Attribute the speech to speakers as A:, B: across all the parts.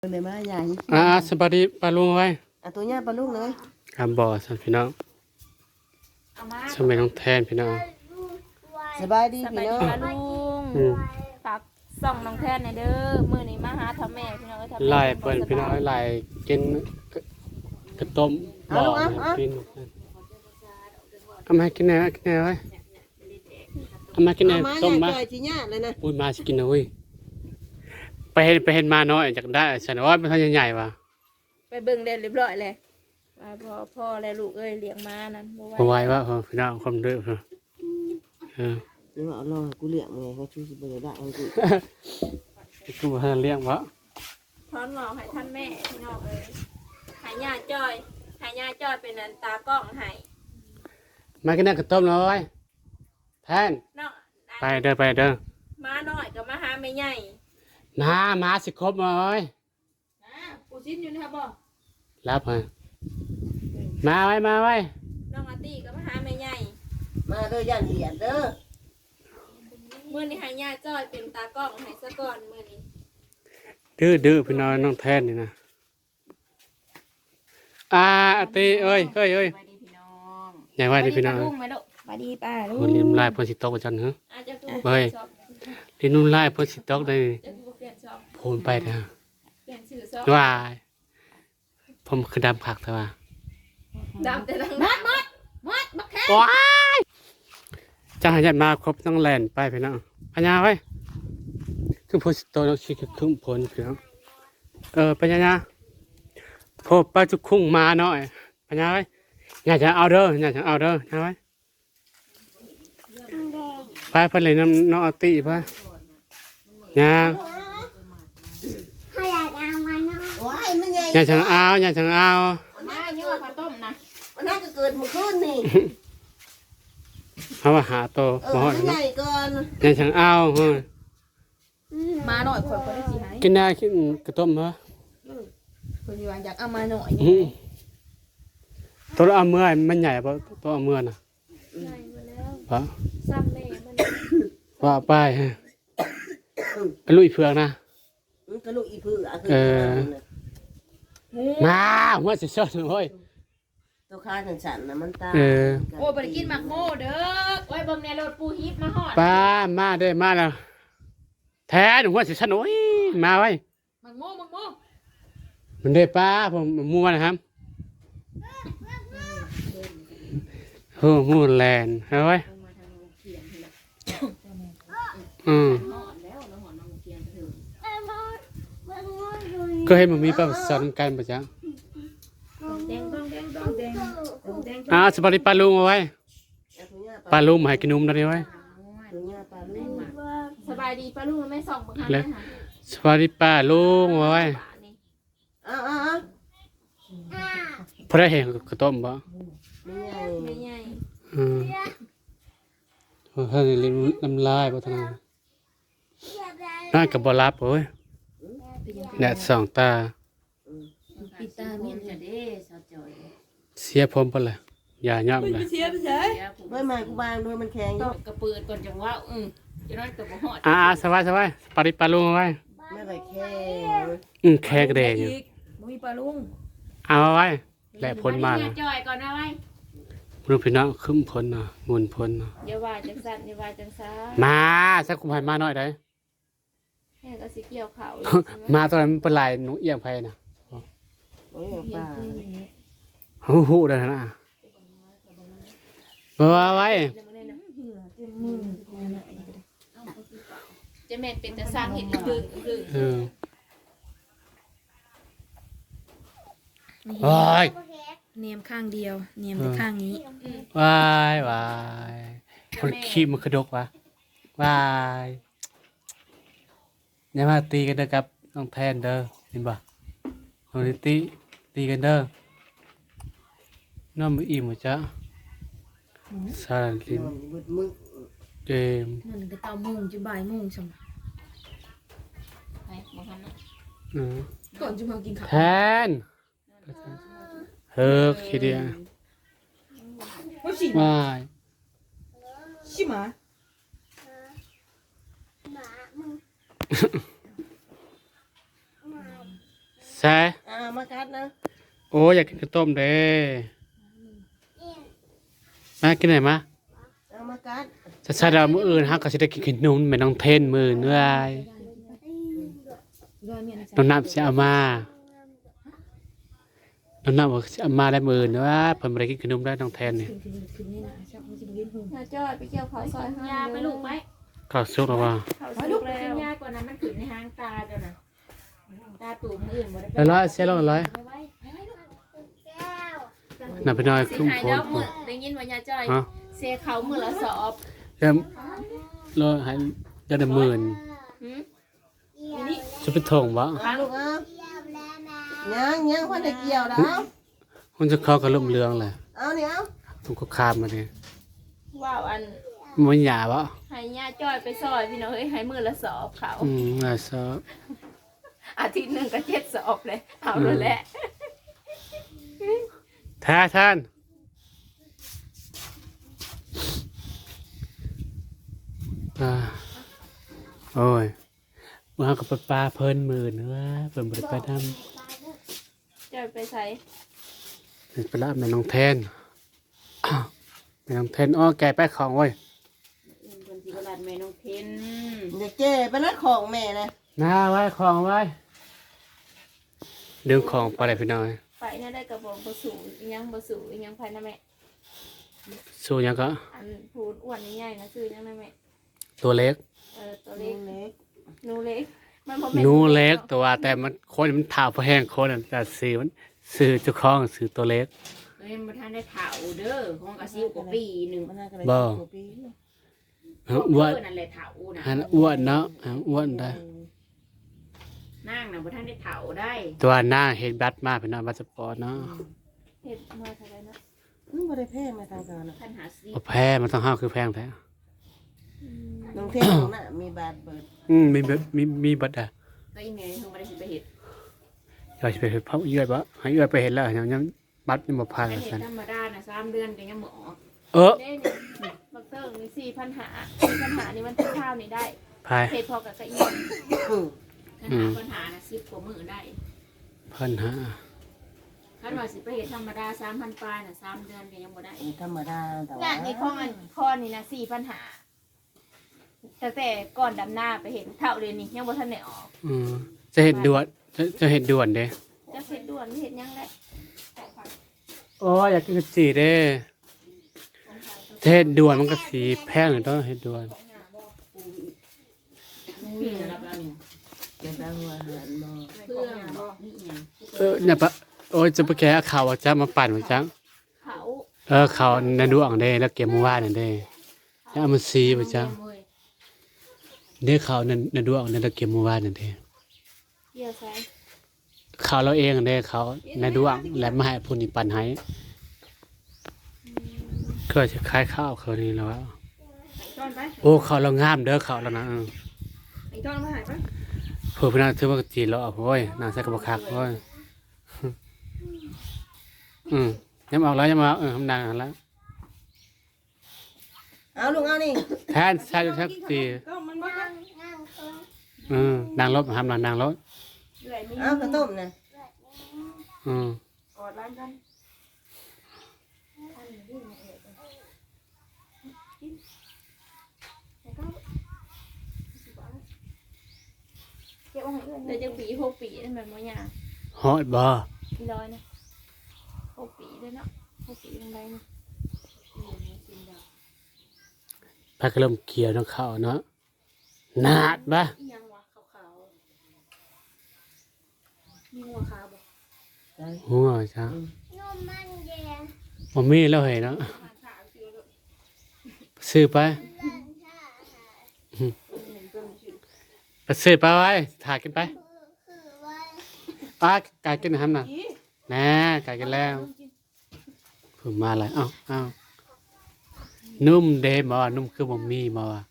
A: เลยมาใหญ่
B: สบายดีปลาลุงไว้
A: ตัวเนี้ยปลาลูกเลย
B: ครับบ่อสันพี่น้องสมัยน้องแทนพี่น้อง
A: สบายดี
C: สบา
A: พี่
C: ย
A: น้อ
C: ดี
A: ง
C: ปลาลุงฝากส่องน้องแทนในเด้อมื้อนี้มาหาทำแม่พี่น้องทำแม่
B: ไล่เปิดพี่น้องไล่กินกระต้มบ่อกินเอามากินแน่กินแน่ไว้เอามากินแน่ต้มมา
A: จีเนี้ยเลยนะ
B: อุ้ยมาสิกินนะเว้ยไปเห็นมาน้อยจากได้ฉันว่ามันใหญ่ๆว่ะ
C: ไปเบิ่งได้เรียบร้อยเลยว่าพ่อและลูกเอ้ยเลี้ยงมานั้น
B: บ่ไหวว่าพี่น้องความเด้อ
A: หรือว่าเอาลองกูเลี้ยงไงเขาชูสิบเลยได้เอา
B: กูให้เลี้ยงวะ
C: พร้อมงอให้ท่านแม่พี่น้องเอ้ยหายาจ้อยเป็นอันตากล้องให้
B: มากินแน่กระต้มเลยแทนไปเด้อ
C: มาหน่อยก็มาหาแม่ใหญ่
B: มาสิครบเลย
C: ปูชิ้นอยู่นะครับบ่
B: รับมาไว้
C: น้องอาตี้ก็มาหาแม่ใหญ่
A: มาเด้อย่านเหียนเด้อ
C: มื้อนี้หายาจ้อยเป็นตากล้องให้ซะก่อนมื้อนี้
B: ดื้อพี่น้องแทนนี่นะอาตีเอ้ยใหญ่ว่าดิพี่น้อง
C: สวัสดีป้าลูก
B: คนริมลายเพิ่นสิตกจันเหรอเฮ้ยริมลายเพิ่นสิตกได้โผล่ไปนะว่าผมคือดำผักแต่ว่า
C: ดำแต่ดังมัดแค่
B: ว้ายจังหยัดมาครบต้องแล่นไปพี่น้องปัญญาไว้คือโพสิโตน้องชิคือครึ่งผลพี่น้องปัญญาพบปลาจุกคุ้งมาหน่อยปัญญาไว้อยากจะเอาเด้อนะไว้ไปเพิ่นเลยน้องอาติไปย่างอย่าฉันเอา
C: มาเยอะข้าวต้มนะ
A: มันน่าจะเกิดเมื่อคืนนี่
B: เขาว่าหาโต
A: มาหอดใหญ่ก่อน
B: อย่าฉันเอา
C: มาหน่อยคนได้สิหาย
B: กินได้กินกระต้มเหรอ
C: คนอยู่อยากเอามาหน่อย
B: ตัวเอาเมื่อมันใหญ่ปะตัวเอาเมื่อน่ะ
C: ใหญ่มาแล้ว
B: ปะ
C: ซ้ำแม่มัน
B: ว่าไปฮะกระลุยเผือกนะ
A: กระลุยเผือก
B: มาหัวจะชดเฮ้ย
A: ตัวข้าฉันนะมันตา
C: โอ้ไปกินหมักโม่เด้อไว้เบิ่งในรถปูฮิปมาหอด
B: ป้ามาเด้อมาแล้วแท้หัวจะชดโอ้ยมาไว้
C: หมักโม่
B: มันได้ป้าผมมัวนะครับมูแลนเอาไว้ก็ให้มันมีประสานกันประจังสบายดีปลาลุงเอาไว้ปลาลุงมาให้กินนมได้ไว้
C: สบายดีปลาลุงไม่ส่องบังคับเลย
B: สบายดีปลาลุงเอาไว้พอได้เห็นกระต้มบ่
C: ไม่ใหญ่
B: ถ้าเรียนน้ำลายบ่ทางน่ากับบรับเว้ยแดดส่องตา
C: ปิตาเมียนจะได้สะจอย
B: เสียผมไปเลยอย่าย่ำเลย
C: เสียไปใช่
A: ไม่มากูบางด้วยมันแข็ง
C: ต้องกระปืนก่อนจังว่าจะน้อยกับหอด
B: สบายปาริปลาลุงเอาไว้
A: ไม่ไปแข็ง
B: แข็งแดงอยู่
C: มีปลาลุง
B: เอาไว้แหละพ้นมา
C: จอยก่อนนะไว้
B: รูปพี่น้องขึ้นพ้นนะมุนพ้นนะ
C: อย่าว่าจังสันอย่าว่าจังซ่า
B: มาสักคุมไผ่มาหน่อยได้
C: แค่ก็สิเกี่ยวเขา
B: มาตอนนั้นเป็นลายหนุ่งเอี่ยงไผ่นะหูได้นะมาไว้
C: จะแม่เป็นแต่สร้างเห็นคือเนียมข้างเดียวเนียมแต่ข้างนี้
B: วายคนขี้มันกระดกวะวายเนี่ยมาตีกันเด้อครับน้องแทนเด้อเห็นป่ะคนตีกันเด้อน้องมืออิ่มหมดจ้ะสารลินเกม
C: นั่นก็เตาโมงจะบ่ายโมงสมก่อนจะมากินข้าว
B: แทนคิดเดียวไม่
C: ชิมา
B: ใช่
A: มากัดนะ
B: โอ้อยากกินข้าวต้มเด้มากินไหนมา
A: มากัด
B: จะใช้เรามื้ออื่นฮะก็สิได้กินขนมแม่น้องเทนมื้อเนื่อยน้องน้ำสิเอามาน้องน้ำบอกสิเอามาได้มื้อเนื้อเพิ่นบ่ได้กินขนมได้น้องแทนนี่
C: ยาจ้อยไปเกี่ยวเขาซอยห้าย
D: าไปลูกไหม
B: ข้าวสุกแล้วว่า
C: เขา
D: ไป
C: สุ
D: ลู
C: ก
D: ก
C: แล้ว
D: ยากกว่านั้นมันขึ้นในหางตาเจ้าน่ะตาตูมอื่นบ่ได้
B: แล้วร้อยเสียลงร้อย
D: ไปไว้ลูก
B: น่ะไปหน่อย
C: สิ
B: คุ้ม
C: หาย
B: โพ
C: ด
B: ด
C: อกมือได้ยินว่ายาจ้อย
B: ฮะ
C: เซเขามือละสอบ
B: เริ่มรอให้จะได้หมื่น
C: หืม
B: จะไปถงบ่
A: ลูกยังคนจะเกี่ยวแล้ว
B: มันจะเข้ากับลมเรืองแหละ
A: เอาเนี่ยเอา
B: ต้องก็คามมาดิ
C: ว้าวอัน
B: มันหยาบ่
C: ให้ยาจ้อยไปซอยพี่น้องเอ้ยให้มือละสอบเขา
B: น่าซะ
C: อาทิตย์หนึ่งก็7 สอบเลยเอาเลยแหละ
B: ท่านโอ้ยว่ากับปลาเพิ่นหมื่นว่าเพิ่นบ่ได้ไปนำ
C: จ้อยไปใส่
B: ไปละแม่น้องแทนแม่น้องแทนอ้อแกไปของเว้ย
D: คนที่กระดาษแม่น้องเทน
A: เดี๋ยวเจ๊ไปนัดของแม่นะ
B: หน้าไว้ของไว้ดึงของไปได้พี่น้อย
C: ไปเนี่ยได้กระบอกบะสูอีหยังบะสูอีหยังภายนะแม่
B: สู้ยังก็
C: อันพูดอ้วนใหญ่ๆนะซื้อยังนะแม่
B: ตัวเล็ก
C: ตัวเล็ก
A: เล็ก
C: หนูเล็กมันบ่แม่
B: หนูเล็กตัวแต่มันคนมันถาวพอแห้งคนน่ะแต่ซื้อมันซื้อเจ้าของซื้อตัวเล็ก
D: เอ้ยบ่ทันได้เฒ่าเด้อของกะซิวกว่าปีหนึง
A: มันน่าจะได้ปี
B: อ้วน
D: นั่นแหละเฒ่าน่ะ
B: อันอ้วนเนาะอ้วนได้
D: นางน่ะบ่ทันได้เฒ่าได้
B: ตัวหน้าเห็นบัตรมาเป็นหน้าบัตรสปอร์ตเนาะ
C: เห็ดมาเท่าไหรเนาะ
A: ไม่ได้แพ้มาทางการนะ
D: ท่านหาซิ
B: เอาแพ้มันต้องห้าวคือแพงแท้
A: น้องเทพของน่ะมีบาดเบิด
B: มีบัตรอ่ะ
D: ก็อีแม่เพิ่นบ่ได้สิไปเฮ็ด
B: อยากจะไปเห็นเขาเยื่อยบ่ให้เยื่อยไปเห็นแล้วยังบัตรยังบ่ผ่าน
D: ไป
B: เลย
D: เฮ็
B: สั
D: ด
B: น
D: ธรรมดาน่ะ3 เดือนก็ยังบ่ออก
B: เออ
C: เด้นี่บักเตอร์นี่4,500นี่มันเป็นข้าวนี่ได้
B: พาย
C: เห็ดพอกับกระเอียน
D: ท่านหาปัญหาน่ะ10กว่ามื้อได้
B: พันห้า
D: คันว่าสิไปเฮ็ดธรรมดา 3,000 ปลายน่ะ3 เดือนก็ยังบ่ได้
A: ธรรมดาแต่
C: น่ะ
A: ว่า
C: นี่ข้อมันข้อนี่นะ4,500แต่ก่อนดำหน้าไปเห็นเท่าเดือนนี้ยังบ่ทันได้ออก
B: จะเห็นด่วนจะเห็นด่วนเด้
C: จะเห็ดด่วนเห็ดยังได้
B: โอ้อยากกินกะจีเด้จะเห็นด่วนมันก็สีแพงหรือต้องเห็นด่วน
D: มีรับแล้วนี่
A: จะได้หัวหันมอ
D: เครื่องนี่หยัง
B: เนี่ยปะโอ้ยจะไปแกะข่าวว่าจะมาปั่นว่าจัง
C: เขา
B: ข่าวในดวงเด้แล้วเก็บมาว่านั่นเด้จะเอามาซีว่าจังเด้ข่าวในดวงนั่นแล้วเก็บมาว่านั่นเด้
C: เกี่ยวใส่
B: ข่าวเราเองเด้ข่าวในดวงและมาให้ผู้นี้ปั่นให้ก็จะคล้ายข้าวเขานี่แล้วว่า
C: ต้อนไป
B: โอ้ข่าวเรางามเด้อข่าวแล้วนะ
C: ไอ้ต้อนมาหายปะ
B: เพื่อพี่น้าถือว่ากะจีเราเอาโอ้ยน่าใส่กระบอกคักโอ้ยยังออกแล้วยังมาทำนานแล้ว
A: เอาลูกเอานี่
B: แทนใช่ชักจี
C: ก็มันบ่ได้
B: นางรถทำนางรถ
C: เอื่อยมี
A: เอาข้าวต้มนะ
C: กอดร้านกันเก็บเอาให้เอื่อยเดี๋ยวจะปี6 ปีนั่นแบบบ่ยาก
B: ฮอดบ่
C: กี่ร้อยนะ6 ปีเลยเนาะ6 ปียังไงนะ
B: พักก็เริ่มเกี่ยวน้องข้าวเนาะนาดบ่
C: อีหยังวะขาวๆมีหัวขาวบ่
B: หัวจ้าบ่มีแล้วเห็นเนาะซื้อไปไปซื้อไปไว้ถ่ายกันไปป้ากายกินทำน่ะแน่กายกินแล้วเพิ่มมาอะไรเอ้านุ่มเดมอ่ะนุ่มคือบ่มีมาว่ะ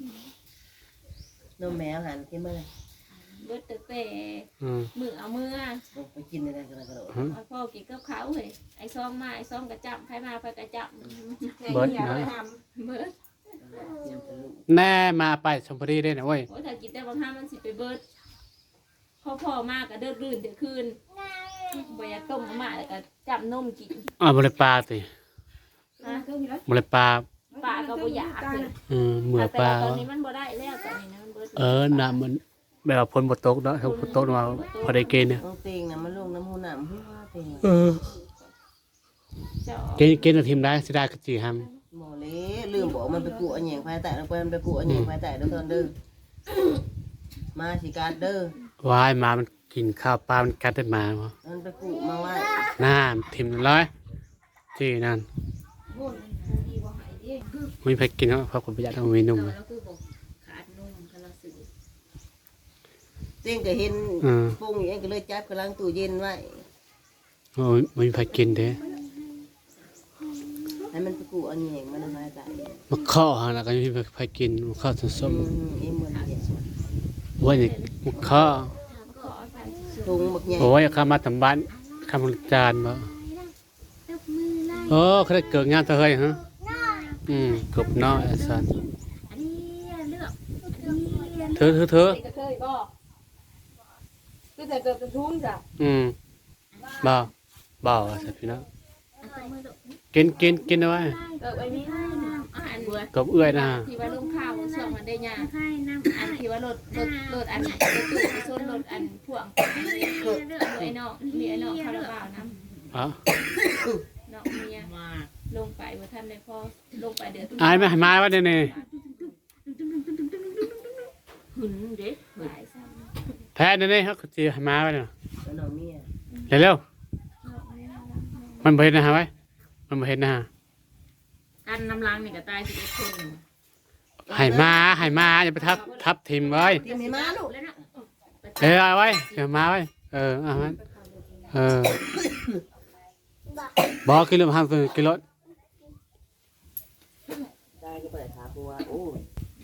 A: นมแมวหันกินเมื่อไร
C: เบิดแต่
B: อืม
C: มือเอามือ
A: ไปกินอะไรกันกระโดด
C: เอาพ่อกินกับเขาเฮ้ยไอ้ซ้อมมาไอ้ซ้อมกระจับใครมาไปกระจับ
B: เบิดนะ
C: เบิด
B: แน่มาไปชมบุรีได้นะเว้ย
C: โอ้ยถ้ากินแต่บางห้ามันสิไปเบิดพอมากก็เดินรื่นเดี๋ยวคืนบ่อยากต้มมาม่าแล้วก็จับนมกิน
B: บ่ได้ปลาติ
C: นะ
B: บ่ได้ปลา
C: ปลาก็บ่อยากเลย
B: เหมือ
C: แต่
B: ปลา
C: ว่าตอนนี้มันบ่ได้แล้วตอนนี้นะมันเบิด
B: น้ำมันแบบว่าฝนบ่ตกเนาะถ้าฝนตกมาพอได้กินเนี่ย
A: ต้องเตียงน่ะมันลงน้ำหูน้ำหัวเตียง
C: เจ้า
B: กินทีมได้สิได้ก็สิห้ำ
A: หมอเละลืมบอกมันไปกูอันแหยงไฟแตะแล้วไปมันไปกูอันแหยงไฟแตะเด้อตอนเด้อมาสิการเด้อ
B: วายหมามันกินข้าวปลามันกัดได้หมาบ่
A: มันไปกูมาไว้
B: น้ำทิ่มร้อยที่นั่นมีไปกินเนาะเพราะคนประหยัดเอามีนม
D: แต่ว่าเราคือบอกขาดนุ่มกำลังสื่อ
A: เตียงก็เห็นปุ้งอย่างนี้ก็เลยจับกำลังตู้เย็นไว้
B: โอ้ยมีไปกินเด้
A: ให้มันไปกูอันแหยงมันไฟแตะ
B: มาข้อหาแล้วก็มีไปกินมาข้อส้ม
A: เอ็มมันเนี่ย
B: ๆว่านี่มาข้อ
A: ถุงบักใหญ่
B: โอ้ยข้ามาทำบ้านข้ามาจานบ่โอ้เขาได้เกิดงานเธอเฮ้ยฮะกบน้อยไอ้สัส
D: อันนี้เลือก
B: เธอ
C: นี่ก็เคยบ่คือแต่เกิดกระทุ้งจ้ะ
B: บ่ไอ้สัสพี่น้อง
D: อันมือดก
B: กินเอาไว้
C: เกิดไว้นี่
D: อาหารบัว
B: กบเอื้อยนะฮะ
C: ที่ว่าลงข้าวช่วงมันได้ยา
D: ไข่น้ำ
C: อันที่ว่ารถอันรถตู้ไปชนรถอันพ่วงไอ้น้องมีไอ้น้องคาราบาวน้
B: อ๋อ
C: ำน้องเมียลงไปว่าท่านได้พอลงไปเดือด
B: อายมาว่าเดี๋ยวนี้
D: หุ่นเด็ก
C: หลายซ้
B: แพ้เดี๋ยวนี้เขาก็สิให้มาไว้เนาะ
A: แล้วน้องเมีย
B: เร็ว
C: ำ
B: ๆมันบ่เห็นนะฮะไว้มันบ่เห็นนะฮะ
D: กันน้ำล้างนี่ก็ตายสิบเอ็ดคน
B: ให้มาอย่าไปทับทิมไว้
A: ทีมให้มาลูก
D: แล้วนะ
B: เอาไว้เดี๋ยวมาไว้เอาไว้บอกกิโลห้าสิบกิโล
A: ได้ก็ไปถามกูว่าโอ้ย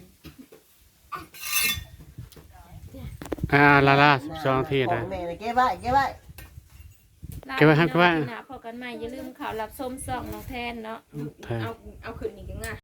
B: ลา12ทีได้
A: ของแม่เลยเก็บไว้เก็บไว้
B: เก็บไว้ครับเก็บไว้
C: พอกันใหม่อย่าลืมข่าวรับส้มส่องน้องแทนเนาะ
B: แพ้
C: เอาขึ้นอีกยังไง